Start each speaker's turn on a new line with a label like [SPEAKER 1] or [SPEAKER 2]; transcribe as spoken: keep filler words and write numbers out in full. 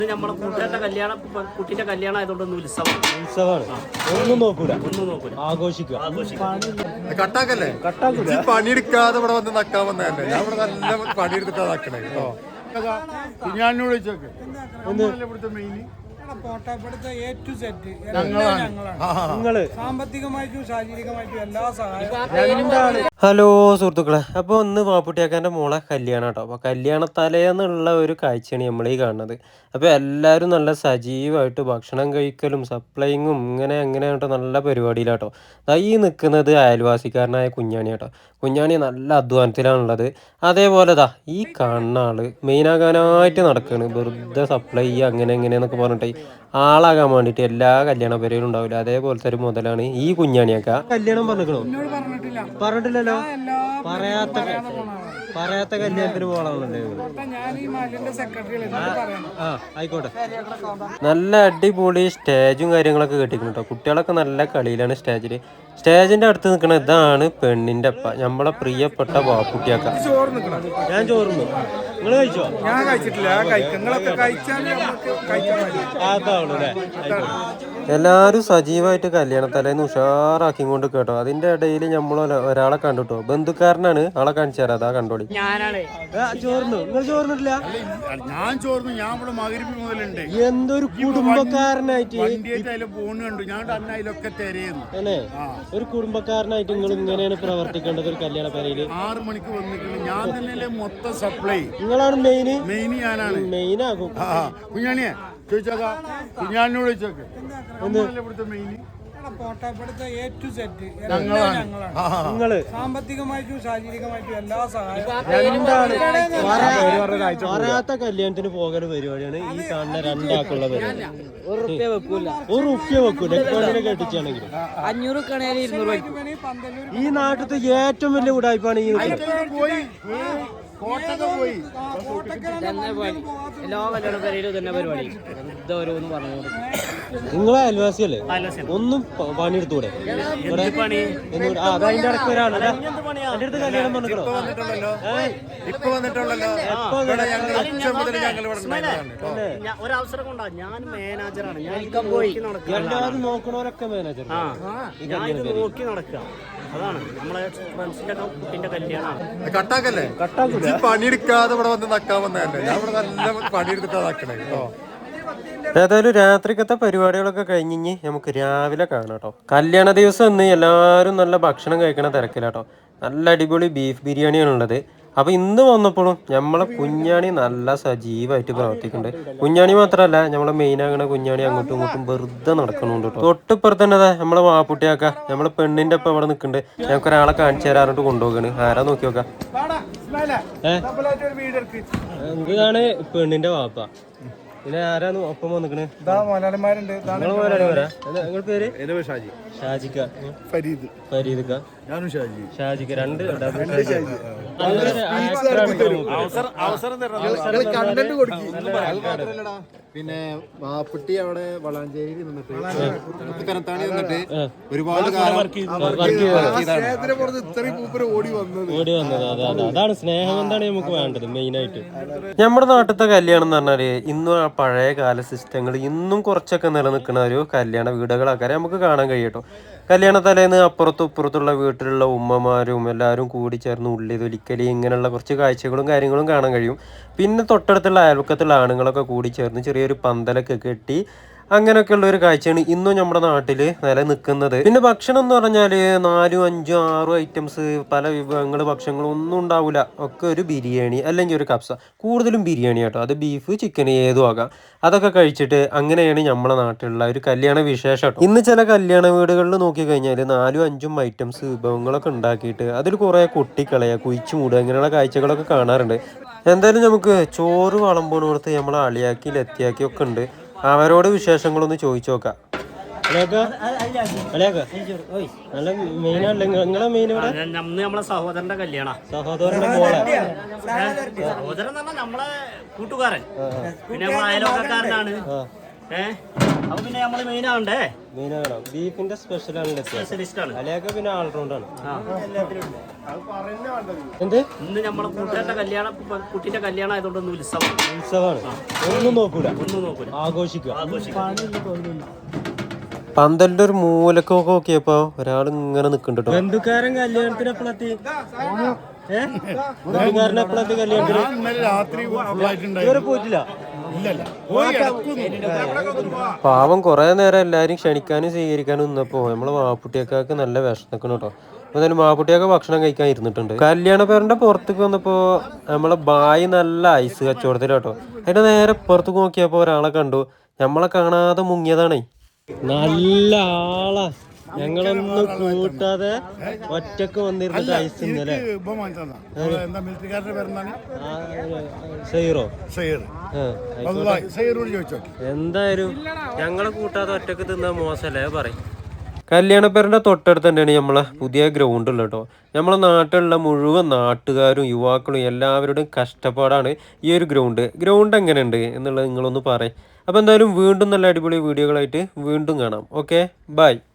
[SPEAKER 1] നമ്മളെ കൂട്ടുകാരുടെ കല്യാണം കുട്ടിന്റെ കല്യാണം ആയതുകൊണ്ട് ഉത്സവം
[SPEAKER 2] ഉത്സവമാണ്. ഒന്നും നോക്കൂല,
[SPEAKER 1] ഒന്നും നോക്കൂല,
[SPEAKER 2] ആഘോഷിക്കുക.
[SPEAKER 3] കട്ടാക്കല്ലേ കട്ടാക്കൂല. പണിയെടുക്കാതെ ഇവിടെ വന്ന് നക്കാൻ വന്നതല്ലേ. ഞാൻ ഇവിടെ നല്ല പണിയെടുത്തിട്ടാ നക്കണേ കേട്ടോ. ഞാനോട് ചോദിച്ചോക്കെ ഇവിടുത്തെ മെയിൻ
[SPEAKER 2] നിങ്ങള്
[SPEAKER 4] സാമ്പത്തികമായിട്ടും ശാരീരികമായിട്ടും എല്ലാ സഹായവും.
[SPEAKER 2] ഹലോ സുഹൃത്തുക്കളെ, അപ്പോൾ ഒന്ന് പാപ്പുട്ടിയാക്കാൻ്റെ മോളെ കല്യാണം കേട്ടോ. അപ്പോൾ കല്യാണത്തലേന്നുള്ള ഒരു കാഴ്ചയാണ് നമ്മൾ ഈ കാണുന്നത്. അപ്പോൾ എല്ലാവരും നല്ല സജീവമായിട്ട് ഭക്ഷണം കഴിക്കലും സപ്ലൈങ്ങും ഇങ്ങനെ അങ്ങനെ കേട്ടോ നല്ല പരിപാടിയിലാട്ടോ. ഈ നിൽക്കുന്നത് അയൽവാസിക്കാരനായ കുഞ്ഞാണി കേട്ടോ. കുഞ്ഞാണി നല്ല അധ്വാനത്തിലാണുള്ളത്. അതേപോലെ ദാ ഈ കാണുന്ന ആള് മെയിനാകാനായിട്ട് നടക്കുകയാണ്. വെറുതെ സപ്ലൈ ചെയ്യുക അങ്ങനെ എങ്ങനെയെന്നൊക്കെ പറഞ്ഞിട്ട് ആളാകാൻ വേണ്ടിയിട്ട് എല്ലാ കല്യാണ പരിപാടിയും ഉണ്ടാവില്ല. അതേപോലത്തെ ഒരു മുതലാണ് ഈ കുഞ്ഞാണിയൊക്കെ. കല്യാണം പറഞ്ഞിക്കണോ? പറഞ്ഞിട്ടില്ലല്ലോ. പറയാത്ത പറയാത്ത കല്യാണത്തിന് പോകണമെന്നല്ലേ? ആ ആയിക്കോട്ടെ. നല്ല അടിപൊളി സ്റ്റേജും കാര്യങ്ങളൊക്കെ കെട്ടിക്കണം കേട്ടോ. കുട്ടികളൊക്കെ നല്ല കളിയിലാണ് സ്റ്റേജിൽ. സ്റ്റേജിന്റെ അടുത്ത് നിൽക്കണ ഇതാണ് പെണ്ണിന്റെ അപ്പ, നമ്മളെ പ്രിയപ്പെട്ട ബാപ്പുട്ടിയാക്ക. ഞാൻ ചോറുന്നു. നിങ്ങൾ കഴിച്ചോ?
[SPEAKER 4] ഞാൻ കഴിച്ചിട്ടില്ല.
[SPEAKER 2] അതാവുള്ളൂ അല്ലേ? എല്ലാവരും സജീവമായിട്ട് കല്യാണത്തലേന്ന് ഉഷാറാക്കി കൊണ്ട് കേട്ടോ. അതിന്റെ ഇടയിൽ നമ്മൾ ഒരാളെ കണ്ടുട്ടോ. ബന്ധുക്കാരനാണ്. ആളെ കാണിച്ചു തരാം. അതാ കണ്ടോളി.
[SPEAKER 1] ഞാനാണ്
[SPEAKER 2] ചോർന്നു. നിങ്ങൾ ചോർന്നിട്ടില്ല?
[SPEAKER 3] ഞാൻ ചോർന്നു. ഞാൻ ഇവിടെ മകരിപ്പ് മുതലുണ്ട്.
[SPEAKER 2] എന്തൊരു കുടുംബക്കാരനായിട്ട്
[SPEAKER 3] പോണുണ്ട്. ഞാൻ അന്നയിലൊക്കെ തിരയുന്നു
[SPEAKER 2] അല്ലേ? ഒരു കുടുംബക്കാരനായിട്ട് നിങ്ങൾ ഇങ്ങനെയാണ് പ്രവർത്തിക്കേണ്ടത് ഒരു കല്യാണ പേരയില്.
[SPEAKER 3] ആറ് മണിക്ക് വന്നിട്ടുണ്ട്. ഞാൻ തന്നെ മൊത്തം സപ്ലൈ.
[SPEAKER 2] നിങ്ങളാണ് മെയിന്.
[SPEAKER 3] മെയിൻ ഞാനാണ്.
[SPEAKER 2] മെയിൻ ആകും.
[SPEAKER 3] കുഞ്ഞാണിയെ ചോദിച്ചോക്കാ. കുഞ്ഞാണിനോട് ചോദിച്ചോക്കെ ഇവിടുത്തെ മെയിൻ
[SPEAKER 2] നിങ്ങള്
[SPEAKER 4] സാമ്പത്തികമായിട്ടും ശാരീരികമായിട്ടും എല്ലാ സഹായവും.
[SPEAKER 2] പറയാത്ത കല്യാണത്തിന് പോകൽ പരിപാടിയാണ് ഈ കാണുന്ന രണ്ടാക്കുള്ള പരിപാടി. ഒരു റുപ്യ വെക്കൂല. ഒരു റുപ്യ വെക്കൂല. എക്കോണ്ടിനെ കെട്ടിച്ചാണെങ്കിൽ
[SPEAKER 1] അഞ്ഞൂറ് കണേല് ഇരുന്നൂറ്.
[SPEAKER 2] ഈ നാട്ടിലത്തെ ഏറ്റവും വലിയ ഉടായ്പാണ് ഈ
[SPEAKER 1] എല്ലാ കല്യാണ പേരും തന്നെ പരിപാടി. ഇതോരോന്ന് പറഞ്ഞു.
[SPEAKER 2] നിങ്ങളെ അയൽവാസിയല്ലേ? ഒന്നും പണിയെടുത്തൂടെ? അതിന്റെ ഇടയ്ക്ക് ഒരാള് എന്റെ അടുത്ത് കല്യാണം പറഞ്ഞോ.
[SPEAKER 1] ഒരവസരം കൊണ്ടാ. ഞാൻ മാനേജറാണ്. ഞാൻ പോയി
[SPEAKER 2] എല്ലാവരും നോക്കണവരൊക്കെ മാനേജർ.
[SPEAKER 1] ഞാൻ ഇത് നോക്കി നടക്കുക. അതാണ് നമ്മളെ ഫ്രണ്ട്സിന്റെ കുട്ടിന്റെ കല്യാണമാണ്.
[SPEAKER 3] കട്ടാക്കല്ലേ കട്ടാക്കൂല. പണിയെടുക്കാതെ ഇവിടെ വന്ന് നക്കാൻ വന്നതല്ലേ. ഞാൻ ഇവിടെ നല്ല പണിയെടുത്തിട്ടാ നക്കണേ കേട്ടോ.
[SPEAKER 2] ഏതായാലും രാത്രിക്കത്തെ പരിപാടികളൊക്കെ കഴിഞ്ഞ് നമുക്ക് രാവിലെ കാണാം കേട്ടോ. കല്യാണ ദിവസം ഇന്ന് എല്ലാവരും നല്ല ഭക്ഷണം കഴിക്കണ തിരക്കിലാട്ടോ. നല്ല അടിപൊളി ബീഫ് ബിരിയാണിയാണുള്ളത്. അപ്പോൾ ഇന്ന് വന്നപ്പോഴും നമ്മളെ കുഞ്ഞാണി നല്ല സജീവമായിട്ട് പ്രവർത്തിക്കുന്നുണ്ട്. കുഞ്ഞാണി മാത്രമല്ല, നമ്മളെ മെയിനാകണ കുഞ്ഞാണി അങ്ങോട്ടും ഇങ്ങോട്ടും വെറുതെ നടക്കണുണ്ട് കേട്ടോ. തൊട്ടിപ്പുറത്ത് തന്നെ നമ്മളെ വാപ്പുട്ടിയാക്ക നമ്മളെ പെണ്ണിന്റെ ഒപ്പം ഇവിടെ നിൽക്കുന്നുണ്ട്. ഞങ്ങൾക്ക് ഒരാളെ കാണിച്ചു തരാറിട്ട് കൊണ്ടുപോകാണ്. ആരാ നോക്കി നോക്കാം. എന്താണ് പെണ്ണിന്റെ വാപ്പ. പിന്നെ ആരാണ് ഒപ്പം വന്നിക്കണ്?
[SPEAKER 4] മലയാളിമാരുണ്ട്.
[SPEAKER 2] നിങ്ങളുടെ പേര്? ഷാജിക്ക. ഫരീദ്. ഫരീദ്. ഷാജിക്ക. രണ്ട്
[SPEAKER 3] കണ്ടന്റ് കൊടുക്കും. പിന്നെ വാപ്പുട്ടി അവിടെ വളാഞ്ചേരി നിന്നിട്ട് കനത്താണി നിന്നിട്ട് ഒരുപാട് ഓടി വന്നത്
[SPEAKER 2] ഓടി വന്നത് അതെ അതാണ് സ്നേഹം. എന്താണ് നമുക്ക് വേണ്ടത് മെയിനായിട്ട്. നമ്മുടെ നാട്ടിലത്തെ കല്യാണം എന്ന് പറഞ്ഞാല് ഇന്നും ആ പഴയ കാല സിസ്റ്റങ്ങൾ ഇന്നും കുറച്ചൊക്കെ നിലനിൽക്കുന്ന ഒരു കല്യാണ വീടുകളൊക്കെ നമുക്ക് കാണാൻ കഴിയട്ടോ. കല്യാണ തലേന്ന് അപ്പുറത്തും ഇപ്പുറത്തുള്ള വീട്ടിലുള്ള ഉമ്മമാരും എല്ലാവരും കൂടി ചേർന്ന് ഉള്ളി തൊലിക്കലി ഇങ്ങനെയുള്ള കുറച്ച് കാഴ്ചകളും കാര്യങ്ങളും കാണാൻ കഴിയും. പിന്നെ തൊട്ടടുത്തുള്ള അയൽവക്കത്തുള്ള ആണുങ്ങളൊക്കെ കൂടി ചേർന്ന് ചെറിയൊരു പന്തലൊക്കെ കെട്ടി അങ്ങനെയൊക്കെയുള്ള ഒരു കാഴ്ചയാണ് ഇന്നും നമ്മുടെ നാട്ടിൽ നിലനിൽക്കുന്നത്. പിന്നെ ഭക്ഷണം എന്ന് പറഞ്ഞാൽ നാലും അഞ്ചും ആറും ഐറ്റംസ് പല വിഭവങ്ങൾ ഭക്ഷണങ്ങളും ഒന്നും ഉണ്ടാവില്ല. ഒക്കെ ഒരു ബിരിയാണി അല്ലെങ്കിൽ ഒരു കപ്സ, കൂടുതലും ബിരിയാണി കേട്ടോ. അത് ബീഫ് ചിക്കൻ ഏതും ആകാം. അതൊക്കെ കഴിച്ചിട്ട് അങ്ങനെയാണ് നമ്മുടെ നാട്ടിലുള്ള ഒരു കല്യാണ വിശേഷം. ഇന്ന് ചില കല്യാണ വീടുകളിൽ നോക്കിക്കഴിഞ്ഞാൽ നാലും അഞ്ചും ഐറ്റംസ് വിഭവങ്ങളൊക്കെ ഉണ്ടാക്കിയിട്ട് അതിൽ കുറേ കുട്ടിക്കളയുക, കുഴിച്ചു മൂടുക, അങ്ങനെയുള്ള കാഴ്ചകളൊക്കെ കാണാറുണ്ട്. എന്തായാലും നമുക്ക് ചോറ് വളമ്പോണോടത്ത് നമ്മൾ അളിയാക്കി ലത്തിയാക്കി ഒക്കെ ഉണ്ട്. അവരോട് വിശേഷങ്ങളൊന്ന് ചോദിച്ചു നോക്കാം.
[SPEAKER 1] നമ്മളെ സഹോദരന്റെ കല്യാണം.
[SPEAKER 2] സഹോദരന്റെ മോളെ
[SPEAKER 1] സഹോദരൻ നമ്മളെ കൂട്ടുകാരൻ. പിന്നെ നമ്മളെ അയലോക്കാരനാണ്. ഏഹ് അപ്പൊ പിന്നെ നമ്മള് മെയിൻ ആണ്ടേ
[SPEAKER 2] മെയിനാണോ ബീഫിന്റെ സ്പെഷ്യൽ ആണ്
[SPEAKER 1] സ്പെഷ്യലിസ്റ്റ് ആണ്.
[SPEAKER 2] അലയൊക്കെ പിന്നെ ഓൾറൗണ്ട് ആണ്.
[SPEAKER 1] ആ.
[SPEAKER 2] എന്ത്
[SPEAKER 1] ഇന്ന് നമ്മളെ കൂട്ടുകാരുടെ കല്യാണം കുട്ടിന്റെ കല്യാണം ആയതുകൊണ്ട് ഒന്ന് ഉത്സവം
[SPEAKER 2] ഉത്സവമാണ്. ഒന്നും നോക്കൂല,
[SPEAKER 1] ഒന്നും നോക്കൂല,
[SPEAKER 2] ആഘോഷിക്കുക.
[SPEAKER 1] ആഘോഷിക്കും.
[SPEAKER 2] പന്തലിന്റെ ഒരു മൂലക്കൊക്കെ നോക്കിയപ്പോ ഒരാൾ ഇങ്ങനെ നിക്കണ്ടോ. ബന്ധുക്കാരൻ കല്യാണത്തിന് എപ്പോഴെത്തി? ബന്ധുക്കാരൻ എപ്പോഴെത്തി കല്യാണത്തിന്?
[SPEAKER 3] ഇന്നലെ രാത്രി
[SPEAKER 2] ഇതുവരെ പോയിട്ടില്ല.
[SPEAKER 3] ഇല്ലല്ല പോയി
[SPEAKER 2] പാവം കുറെ നേരം എല്ലാരും ക്ഷണിക്കാനും സ്വീകരിക്കാനും നിന്നപ്പോ നമ്മളെ മാപ്പുട്ടിയൊക്കെ നല്ല വിഷമിക്കണം കേട്ടോ. അപ്പൊ എന്തായാലും മാപ്പുട്ടിയൊക്കെ ഭക്ഷണം കഴിക്കാൻ ഇരുന്നിട്ടുണ്ട്. കല്യാണ പേരന്റെ പുറത്തേക്ക് വന്നപ്പോ നമ്മളെ ബായി നല്ല ഐസ് കച്ചവടത്തിലാട്ടോ. അതിന്റെ നേരെ പുറത്തേക്ക് നോക്കിയപ്പോ ഒരാളെ കണ്ടു. നമ്മളെ കാണാതെ മുങ്ങിയതാണേ. നല്ല ആളാ, ഞങ്ങളൊന്നും കൂട്ടാതെ ഒറ്റക്ക് വന്നിരുന്നിട്ട് ഐസ് ഇന്നലെ. സൈറോ എന്തായാലും ഞങ്ങളെ കൂട്ടാതെ ഒറ്റക്ക് തിന്നാ മോശല്ലേ പറയും. കല്യാണപ്പേരൻ്റെ തൊട്ടടുത്ത് തന്നെയാണ് നമ്മളെ പുതിയ ഗ്രൗണ്ട് ഉള്ളത് കേട്ടോ. നമ്മളെ നാട്ടിലുള്ള മുഴുവൻ നാട്ടുകാരും യുവാക്കളും എല്ലാവരുടെയും കഷ്ടപ്പാടാണ് ഈ ഒരു ഗ്രൗണ്ട്. ഗ്രൗണ്ട് എങ്ങനെയുണ്ട് എന്നുള്ളത് നിങ്ങളൊന്ന് പറയും. അപ്പോൾ എന്തായാലും വീണ്ടും നല്ല അടിപൊളി വീഡിയോകളായിട്ട് വീണ്ടും കാണാം. Okay, by.